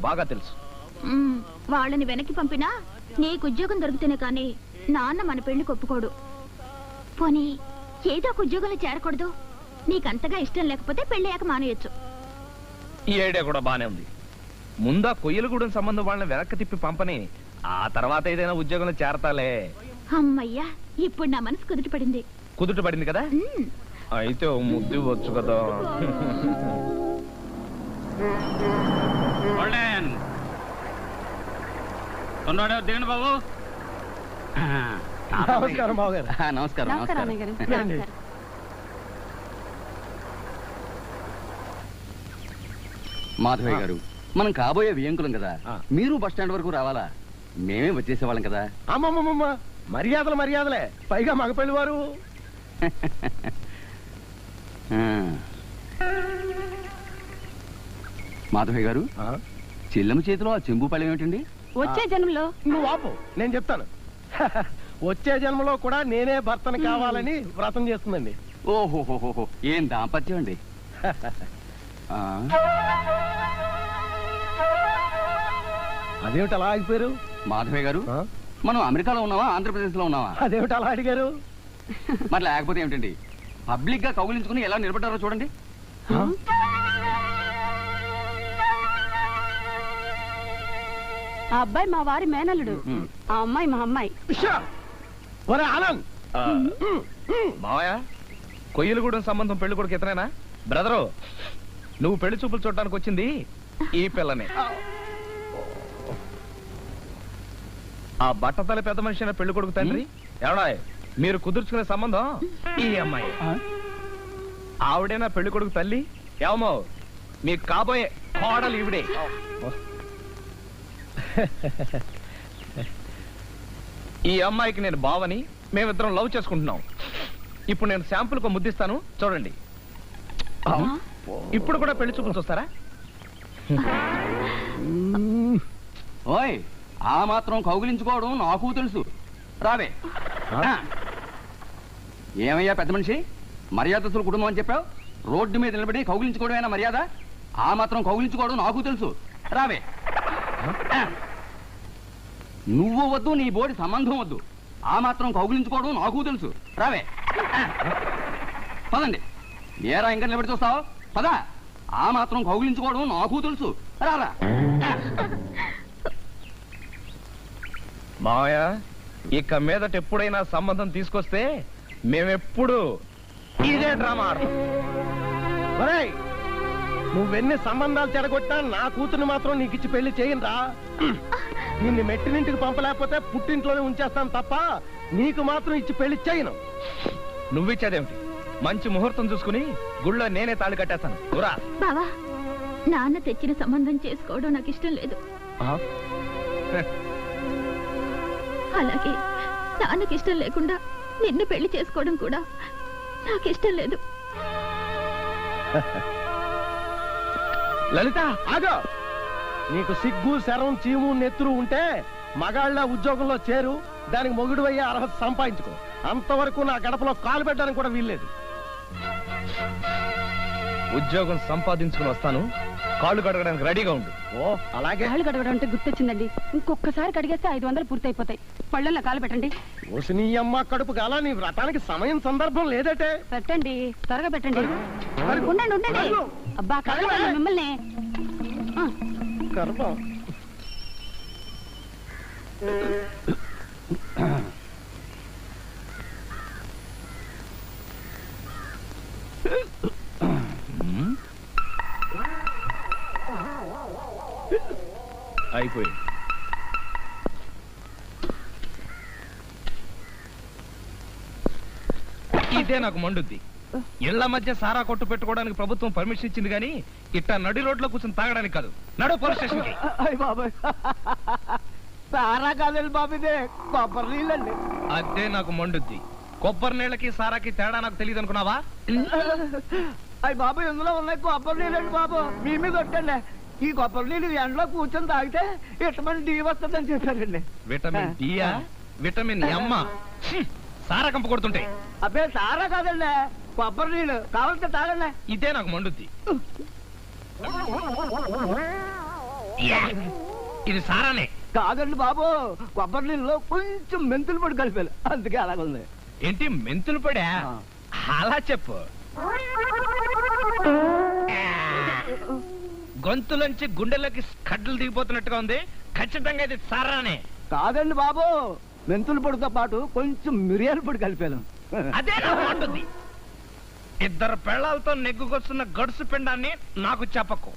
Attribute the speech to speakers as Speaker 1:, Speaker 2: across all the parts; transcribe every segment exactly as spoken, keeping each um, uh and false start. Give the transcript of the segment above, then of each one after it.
Speaker 1: బాగా తెలుసు.
Speaker 2: వాళ్ళని వెనక్కి పంపినా నీకు ఉద్యోగం దొరికితేనే కానీ నాన్న మన పెళ్లి ఒప్పుకోడు. పోనీ ఏదో ఒక ఉద్యోగంలో చేరకూడదు? నీకంతగా ఇష్టం లేకపోతే పెళ్ళయ్యాక మానేయచ్చు.
Speaker 1: ఈ ఐడియా కూడా బానే ఉంది. ముందా కొయ్యలగూడెం సంబంధం వాళ్ళని వెనక్కి తిప్పి పంపని, ఆ తర్వాత ఏదైనా ఉద్యోగంలో చేరతాలే.
Speaker 2: అమ్మయ్యా, ఇప్పుడు నా మనసు కుదుట పడింది.
Speaker 1: కుదుట పడింది కదా? అయితే ముద్దు వచ్చు కదా.
Speaker 3: దిగండి బాబు.
Speaker 4: నమస్కారం బాబు గారు.
Speaker 3: నమస్కారం. మాధవయ్య గారు, మనం కాబోయే వియంకులం కదా, మీరు బస్ స్టాండ్ వరకు రావాలా? మేమే వచ్చేసేవాళ్ళం కదా.
Speaker 4: అమ్మమ్మమ్మ, మర్యాదలు మర్యాదలే, పైగా మగపెళ్లి వారు.
Speaker 3: మాధవయ్య గారు, చెల్లెమ్మ చేతిలో ఆ చెంబు పళ్ళం ఏమిటండి?
Speaker 2: వచ్చే జన్మలో.
Speaker 4: నువ్వు ఆపు, నేను చెప్తాను. వచ్చే జన్మలో కూడా నేనే భర్తను కావాలని వ్రతం చేస్తుందండి.
Speaker 3: ఓహోహోహో, ఏం దాంపత్యం అండి.
Speaker 4: అదేమిటి అలా ఆగిపోయారు?
Speaker 3: మాధవయ్య గారు, మనం అమెరికాలో ఉన్నావా ఆంధ్రప్రదేశ్ లో ఉన్నావా?
Speaker 4: అదేమిటి అలా అడిగారు?
Speaker 3: మరి లేకపోతే ఏమిటండి, పబ్లిక్ గా కౌగిలించుకుని ఎలా నిలబడ్డారో చూడండి.
Speaker 5: ఆ అబ్బాయి మా వారి మేనల్లుడు, ఆ అమ్మాయి మా అమ్మాయి.
Speaker 1: మావయ్య, కొయ్యలగూడెం సంబంధం పెళ్లి కొడుకు ఇతనేనా? బ్రదరు, నువ్వు పెళ్లి చూపులు చూడటానికి వచ్చింది ఈ పిల్లనే. ఆ బట్టతల పెద్ద మనిషి అయిన పెళ్లి కొడుకు తండ్రి ఎవడా? మీరు కుదుర్చుకునే సంబంధం ఈ అమ్మాయి. ఆవిడేనా పెళ్లి కొడుకు తల్లి? ఏమో, మీకు కాబోయే కోడలు ఈవిడే. ఈ అమ్మాయికి నేను బావని, మేమిద్దరం లవ్ చేసుకుంటున్నాం. ఇప్పుడు నేను శాంపుల్ కు ముద్దిస్తాను, చూడండి. ఇప్పుడు కూడా పెళ్లి చూపులు చూస్తారా?
Speaker 3: ఓయ్, ఆ మాత్రం కౌగిలించుకోవడం నాకు తెలుసు. రావే. ఏమయ్యా పెద్ద మనిషి, మర్యాదస్తుల కుటుంబం అని చెప్పావు, రోడ్డు మీద నిలబడి కౌగిలించుకోవడమేనా మర్యాద? ఆ మాత్రం కౌగిలించుకోవడం నాకు తెలుసు. రావే. నువ్వు వద్దు, నీ బోడి సంబంధం వద్దు, ఆ మాత్రం కౌగిలించుకోవడం నాకు తెలుసు. రావే. పదండి. ఏరా ఇంకా నిలబడి చూస్తావు? పదా. ఆ మాత్రం కౌగిలించుకోవడం నాకు తెలుసు. రారా.
Speaker 1: మావయ్య, ఇక మీదట ఎప్పుడైనా సంబంధం తీసుకొస్తే మేమెప్పుడు ఇదే డ్రామా ఆడతాం.
Speaker 4: నువ్వెన్ని సంబంధాలు చెడగొట్టినా నా కూతురు మాత్రం నీకు ఇచ్చి పెళ్లి చేయనురా. నిన్ను మెట్టినింటికి పంపలేకపోతే పుట్టింట్లోనే ఉంచేస్తాను తప్ప నీకు మాత్రం ఇచ్చి పెళ్లి చేయను.
Speaker 1: నువ్విచ్చేదేమిటి? మంచి ముహూర్తం చూసుకుని గుళ్ళో నేనే తాళి కట్టేస్తాను.
Speaker 2: బావా, నాన్న తెచ్చిన సంబంధం చేసుకోవడం నాకు ఇష్టం లేదు. అలాగే నాన్నకి ఇష్టం లేకుండా నిన్ను పెళ్లి చేసుకోవడం కూడా నాకు ఇష్టం లేదు.
Speaker 1: లలిత,
Speaker 4: ఆగో. నీకు సిగ్గు, శరం, చీము, నెత్తురు ఉంటే మగాళ్ళ ఉద్యోగంలో చేరు, దానికి మొగుడు అయ్యే అర్హత సంపాదించుకో. అంతవరకు నా గడపలో కాలు పెట్టడానికి కూడా వీల్లేదు.
Speaker 1: ఉద్యోగం సంపాదించుకుని వస్తాను, కాళ్ళు కడగడానికి రెడీగా ఉండు.
Speaker 4: ఓ అలాగే.
Speaker 5: కాళ్ళు కడగడం అంటే గుర్తొచ్చిందండి, ఇంకొకసారి కడిగేస్తే ఐదు వందలు పూర్తయిపోతాయి. పళ్ళల్లో కాలు పెట్టండి.
Speaker 4: ఓసి నీ అమ్మ కడుపు కాల, నీ వ్రతానికి సమయం సందర్భం లేదటే.
Speaker 5: పెట్టండి, త్వరగా పెట్టండి. ఉండండి ఉండండి. అబ్బా కడగండి మిమ్మల్ని.
Speaker 4: గర్భం.
Speaker 1: అయిపోయింది. ఇదే నాకు మండుద్ది. ఇళ్ల మధ్య సారా కొట్టు పెట్టుకోవడానికి ప్రభుత్వం పర్మిషన్ ఇచ్చింది కానీ ఇట్టా నడి రోడ్లో కూర్చొని తాగడానికి కాదు. నడు పోలీస్ స్టేషన్ కి.
Speaker 4: సారా కాదండి బాబు, ఇదే కొబ్బరి నీళ్ళండి.
Speaker 1: అదే నాకు మండుద్ది. కొబ్బరి నీళ్ళకి సారాకి తేడా నాకు తెలియదు అనుకున్నావా?
Speaker 4: అయ్యి బాబు, ఇందులో ఉన్నాయి కొబ్బరి నీళ్ళండి బాబు. మీ మీద కొట్టండి. ఈ కొబ్బరి నీళ్ళు ఎండలో కూర్చొని తాగితే విటమిన్ డి వస్తుందని చెప్పారండి.
Speaker 1: విటమిన్ డియా? విటమిన్ ఎమ్మ? సారా కంప కొడుతుంటే.
Speaker 4: అబ్బే సారా కాదండి, కొబ్బరి నీళ్ళు. కావాలంటే తాగండి.
Speaker 1: ఇదే నాకు మండుద్ది. యా, ఇది సారానే.
Speaker 3: కాదండి బాబు, కొబ్బరి నీళ్ళలో కొంచెం మెంతులు పొడి కలిపాను, అందుకే అలాగుంది.
Speaker 1: ఏంటి మెంతులు పడా?
Speaker 3: ఆ.
Speaker 1: అలా చెప్పు. గొంతులోంచి గుండెలోకి కడ్డలు దిగిపోతున్నట్టుగా ఉంది. ఖచ్చితంగా ఇది సారానే.
Speaker 3: కాదండి బాబు, మెంతుల పొడితో పాటు కొంచెం మిరియాల పొడి కలిపాను.
Speaker 1: అదే ఉంటుంది. ఇద్దరు పెళ్ళాలతో నెగ్గుకొస్తున్న గడుసు పిండాన్ని నాకు చెప్పకు.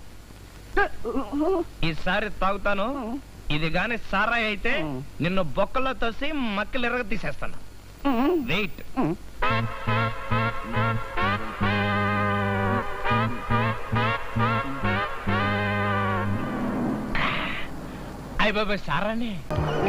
Speaker 1: ఈసారి తాగుతాను. ఇది గాని సారాయి అయితే నిన్ను బొక్కలో తోసి మక్కలు ఎరగ తీసేస్తాను. వెయిట్. అయ్య బాబాయ్ సారానే.